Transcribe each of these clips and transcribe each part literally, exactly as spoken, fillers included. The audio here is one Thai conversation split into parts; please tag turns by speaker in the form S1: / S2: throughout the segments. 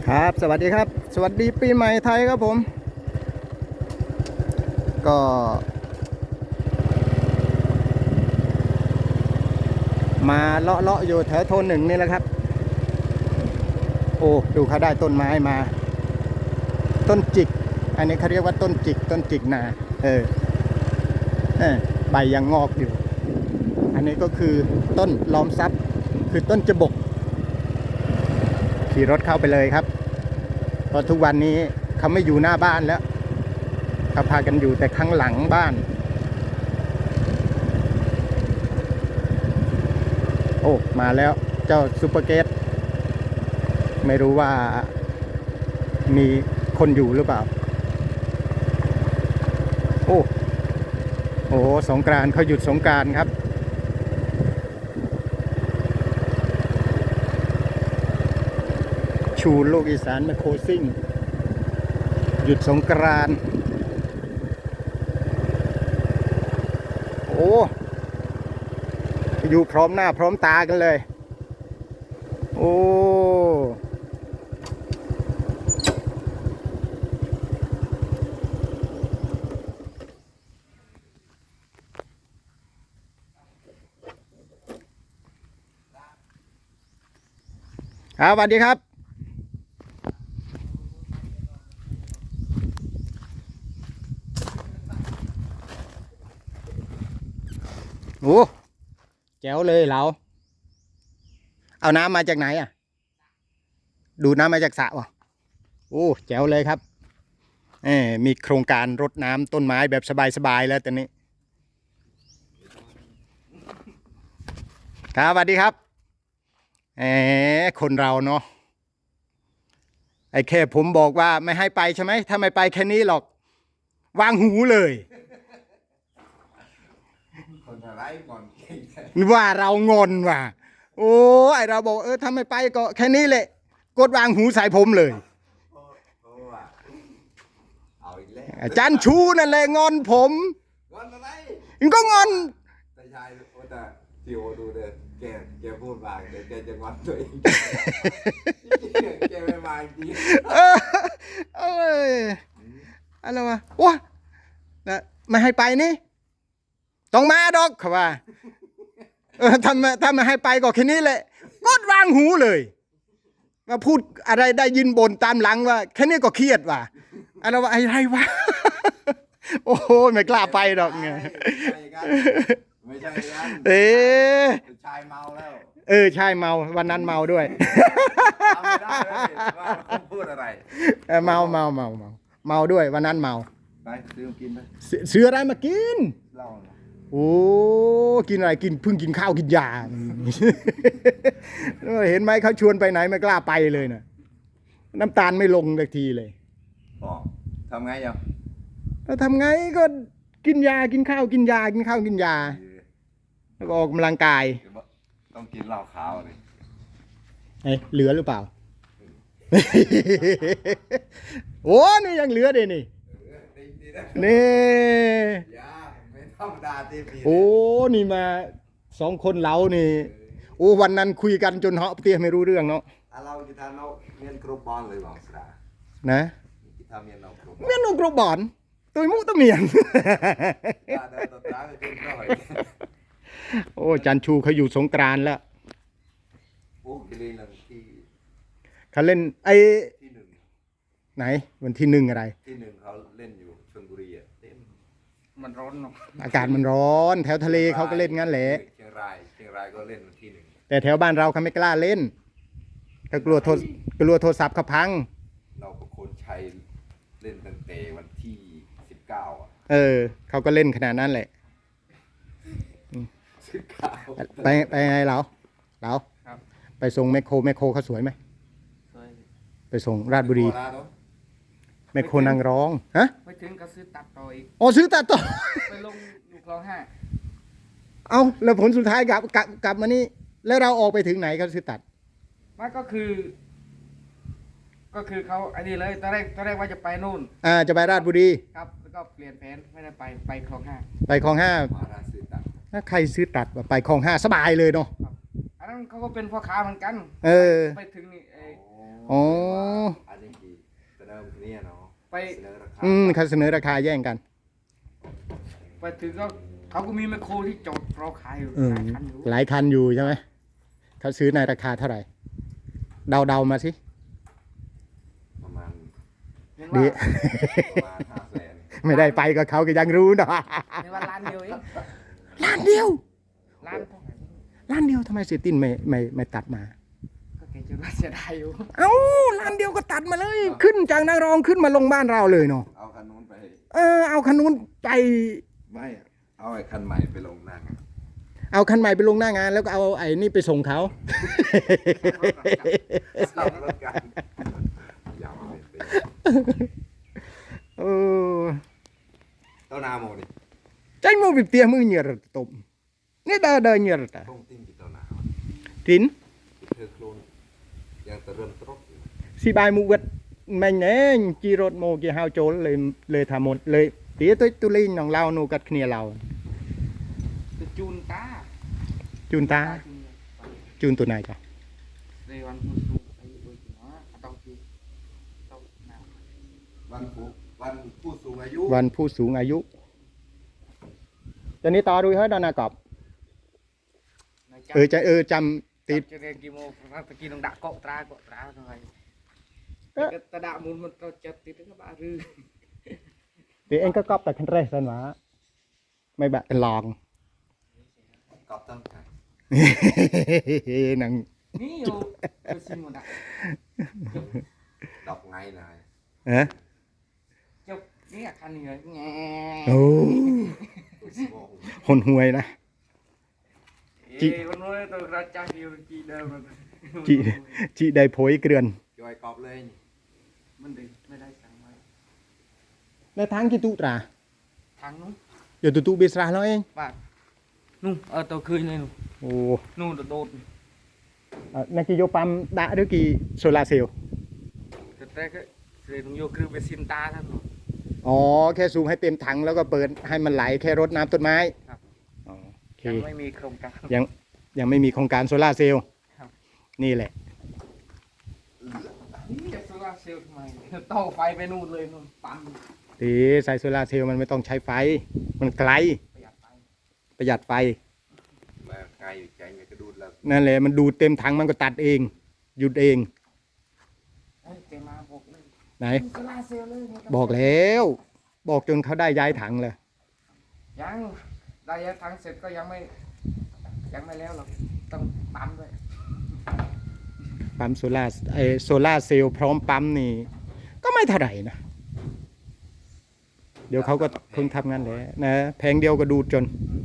S1: ครับสวัสดีครับสวัสดีปีใหม่ไทยครับผมก็มาเลาะเลาะอยู่แถวโทนหนึ่งนี่แหละครับโอ้ดูเขาได้ต้นไม้มาต้นจิกอันนี้เขาเรียกว่าต้นจิกต้นจิกนาเออเออใบยังงอกอยู่อันนี้ก็คือต้นล้อมทรัพย์คือต้นจบกขี่รถเข้าไปเลยครับเพราะทุกวันนี้เขาไม่อยู่หน้าบ้านแล้วเขาพากันอยู่แต่ข้างหลังบ้านโอ้มาแล้วเจ้าซูเปอร์เกตไม่รู้ว่ามีคนอยู่หรือเปล่าโอ้โอ้สงกรานต์เขาหยุดสงกรานต์ครับชูโลกอีสานมาโคซิ่งหยุดสงกรานต์โอ้อยู่พร้อมหน้าพร้อมตากันเลยโอ้ครับสวัสดีครับโอ้แจ๋วเลยเราเอาน้ำมาจากไหนอ่ะดูน้ำมาจากสระวะโอ้แจ๋วเลยครับเออมีโครงการรดน้ำต้นไม้แบบสบายๆแล้วตอนนี้ครับสวัสดีครับเออคนเราเนาะไอ้แค่ผมบอกว่าไม่ให้ไปใช่ไหมถ้าไม่ไปแค่นี้หรอกวางหูเลย
S2: คนอะไรก่อน
S1: ว่าเรางอนว่ะโอ้ไอเราบอกเออถ้าไม่ไปก็แค่นี้แหละกดวางหูใส่ผมเลย
S2: เอาอีกแล้ว
S1: อาจารย์ชูนั่นแหละงอนผม
S2: งอนอะไร
S1: มันก็งอน
S2: แต่ชายโอ้แต่จิโอดูเด้อแกแกพูดมาเดี๋ยวแกจะงอนตัวเองแกไม่มาจริง
S1: เออเอออะไรวะว้านะไม่ให้ไปนี่ต้องมาดอกเขาว่าเออทำทำมาให้ไปก็แค่นี้แหละกดวางหูเลยมาพูดอะไรได้ยินบ่นตามหลังว่าแค่นี้ก็เครียดว่ะอะไรวะอะไรวะโอ้โหไม่กล้าไปดอกไง
S2: ไม่ใช่กัน
S1: เอ๊ะ
S2: ชายเมาแล้ว
S1: เออใช่เมาวันนั้นเมาด้วย
S2: ทำไม่ได้เลยว่าเขาพูดอะไร
S1: เมาเมาเมาเมาเมาด้วยวันนั้นเมา
S2: ไปซื้อกินไป
S1: ซื้ออะไรมากิน
S2: เหล้า
S1: โอ้กินอะไรกินเพิ่งกินข้าวกินยาเห็นไหมเขาชวนไปไหนไม่กล้าไปเลยนะน้ำตาลไม่ลงสักทีเลย
S2: อ๋อทำไงยัง
S1: เราทำไงก็กินยากินข้าวกินยากินข้าวกินยาแล้วก็ออกกำลังกาย
S2: ต้องกินเหล้าขาวเลย
S1: เอ้เหลือหรือเปล่าโอ้นี่ยังเหลือเดนี่นี่โอ้นี่มาสองคนเรานี่โอ้วันนั้นคุยกันจนเหาะเตี้ยไม่รู้เรื่องเนาะ
S2: เราจะทำเราเมียนกรุบบอลเลยบางสระ
S1: นะ
S2: ทำเมียนเรากรุบ
S1: เมียนกรุบบอลตัวมุตัวเมียนโอ้จันชูเขาอยู่สงกรานต์แล้ว
S2: โอ้เขาเล่นที่
S1: เขาเล่นไอ้
S2: ที่หนึ่ง
S1: ไหนวันที่หนึ่งอะไร
S2: ที่หนึ่งเขาเล่นอยู่ชลบุรีอ่ะเต็ม
S1: มันร้อนเนาะอากาศมันร้อนแถวทะเลเขาก็เล่นงั้นแหละ
S2: เชียงรายเชียงรายก็เล่นวันที่หนึ่ง
S1: แต่แถวบ้านเราเขาไม่กล้าเล่นเขากลัวโทรกลัวโทรศัพท์เขาพัง
S2: เราก็คนชัยเล่นตั้งแต่วันที่สิบเก้าอ่ะ
S1: เออเขาก็เล่นขนาดนั้นแหละ
S2: สิบเก้า
S1: ไปไปไงเราเราไปส่งแมคโครแมคโครเขาสวยไหมไปส่งราชบุรีแมคโครนางร้องฮะ
S3: ไปถึงก็ซื้อตัดต่ออีก
S1: อ๋อซื้อตัดต่อ
S3: ไปลงอยู่คลองห้า
S1: เอาแล้วผลสุดท้ายกลับกลับกลับมานี่แล้วเราออกไปถึงไหนเขาซื้อตัด
S3: มันก็คือก็คือเขาไอ้นี่เลยตอนแรกตอนแรกว่าจะไปนู่น
S1: อ่าจะไปราชบุรี
S3: ครับแล้วก็เปลี่ยนแผนไม่ได้ไปไปคลองห้า
S1: ไปคลองห้าถ้าใครซื้อตัดไปคลองห้าสบายเลยเนาะ
S3: อันนั้นเขาก็เป็นพ่อค้าเหมือนกัน
S1: เออ
S3: ไปถึงนี่
S1: อ๋อ
S2: เนี่ยเนาะ
S3: ไป
S2: เสนอราคา
S1: อืมเขาเสนอราคาแย่งกัน
S3: ไปถึงก็เขาก็มีแมคโครที่จอดรอขายอยู่
S1: อืม
S3: หลายคันอยู่
S1: หลายคันอยู่ใช่ไหมเขาซื้อในราคาเท่าไหร่ เดาเดาๆมาสิ
S2: ประมาณ
S3: เห็น
S1: ดี
S3: ว่า
S2: ประมาณห้าแสน
S1: ไม่ได้ไปก็เขาก็ยังรู้เนาะ
S3: เห็นว่าล้านเดียวเอง
S1: ล้านเดียว
S3: ล้านเท่าไหร่
S1: ล้านเดียวทำไมเสียตินไม่ไม่ไม่ตัดมา
S3: ก็แกจะว่าเสียดายอยู่
S1: เอ้าล้านเดียวก็ตัดมาเลย ขึ้นจากนางรองขึ้นมาลงบ้านเราเลยเนาะ
S2: เอาคันนู้นไป
S1: เออเอาคันนู้นไป
S2: ไม่อะเอาไอ้คันใหม่ไปลงนั่ง
S1: เอาคันใหม่ไปลงหน้างาน แล้วก็เอาไอ้นี่ไปส่งเขา
S2: สับรถกันยาวเลยเต้
S1: เออ
S2: เต้านาโมดิ
S1: ใจมูบิเตียมือเหยียดตบนี่เดินเดินเหยียดอ่ะ
S2: ต้องติ้งกี่เต้านา
S1: ทิน
S2: เธอโคลนยังแต่เริ่มตรกอยู่
S1: สีบายมูเวดมันเองจีรถโมกีฮาวโจลเลยเลยทำหมดเลยเตียตัวตุลินของเรานูกัดเคนียเรา
S3: คือจูนตา
S1: จูนตา
S3: จูนเลย
S1: จูนตัวไหนจ้ะ
S3: เรวันผู้สูงอายุด้วยเนาะต้องคือต้องน้ำ
S2: วันผู้วันผู้สูงอายุ
S1: วันผู้สูงอายุตอนนี้ต่อดูเฮ้ยดอนากอบ
S3: ใน
S1: เออจะเออจำติด
S3: จะเรียนกี่โมงตะกี้ต้องดักเกาะตราเกาะตราหน่อย
S1: เอ๊ะ
S3: ตะดามูลมันเราจะติดก็บ้ารือ
S1: เดี๋ยวเองก็กอบแต่คันแรกสันวะไม่แบบลอง
S2: กอบต้องกัน
S1: หนัง
S3: นี่อยู่ก็ซิมหมดอ่ะ
S2: ดอกไงนาย
S1: เอ๊ะ
S3: จบนี่คันนี้เลยแง่
S1: โอ้
S2: โอ้โห
S1: หนหวยนะ จิ
S3: เอ้ยวันนู้นตัวกระจายอยู่จีเดิมมัน
S1: จีจีได้โผยเกลือน
S2: จอยกอบเลยนี่
S3: มันดึงไม่ได้สั่งมา
S1: ในทางกี่ตุตรา
S3: ทางนู้น
S1: เดี๋ยวตุตุเบสราเราเอง
S3: บาทนู่นเออตัวคืนเลยนู่น
S1: โอ้
S3: นู่นตัวโดด
S1: เอ่อนักกิโยปั๊มดะหรือกี่โซลาร์เซลล์
S3: แต่แต่ก็เรียนโยคือเป็นซินตาท่านหรอ
S1: อ๋อแค่สูงให้เต็มถังแล้วก็เปิดให้มันไหลแค่รดน้ำต้นไม้
S3: ครับ
S1: อ๋อโอเค
S3: ยังไม่มีโครงการ
S1: ยังยังไม่มีโครงการโซลาร์เซลล์
S3: ครับ
S1: นี่แหละ
S3: นี่จะโซลาร์เซลล์ทำไมต่อไฟไปนู่นเลยนู่นปั๊ม
S1: ตีใส่โซลาร์เซลล์มันไม่ต้องใช้ไฟ มันไกล
S3: ประหยัดไฟ
S1: ประหยัดไฟ
S2: มาไกลอยู่ใจไงกระดูดแล้ว
S1: นั่นแหละมันดูดเต็มถังมันก็ตัดเอง หยุดเอง
S3: เฮ้ยเจมาบอกเลย
S1: ไหน
S3: โซลาร์เซลล์เลย
S1: บอกแล้ว บอกจนเขาได้ย้ายถังเลย
S3: ยังได้ยังทั้งเสร็จก็ยังไม่ยังไม่แล้วหรอกต้องปั๊มด้วย
S1: ปั๊มโซลาร์ไอโซลาร์เซลล์พร้อมปั๊มนี่ ก็ไม่เท่าไหร่นะ เดี๋ยวเขาก็คงทำงานแหละนะแพงเดียวก็ดูดจน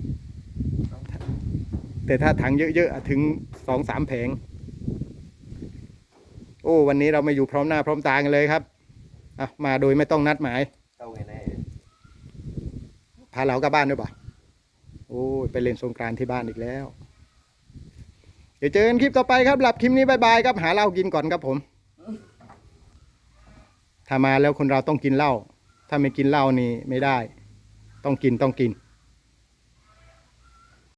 S1: แต่ถ้าถังเยอะๆถึงสองสามแผง โอ้ วันนี้เรามาอยู่พร้อมหน้าพร้อมตากันเลยครับอ่ะมาโดยไม่ต้องนัดหมาย
S2: เต้าไงแน่
S1: พาเรากลับบ้านด้วยป่ะโอ้ยไปเล่นสงกรานต์ที่บ้านอีกแล้ว เดี๋ยวเจอกันคลิปต่อไปครับ หลับคลิปนี้บายบายครับ หาเหล้ากินก่อนครับผม ถ้ามาแล้วคนเราต้องกินเหล้า ถ้าไม่กินเหล้านี่ไม่ได้ ต้องกินต้องกิน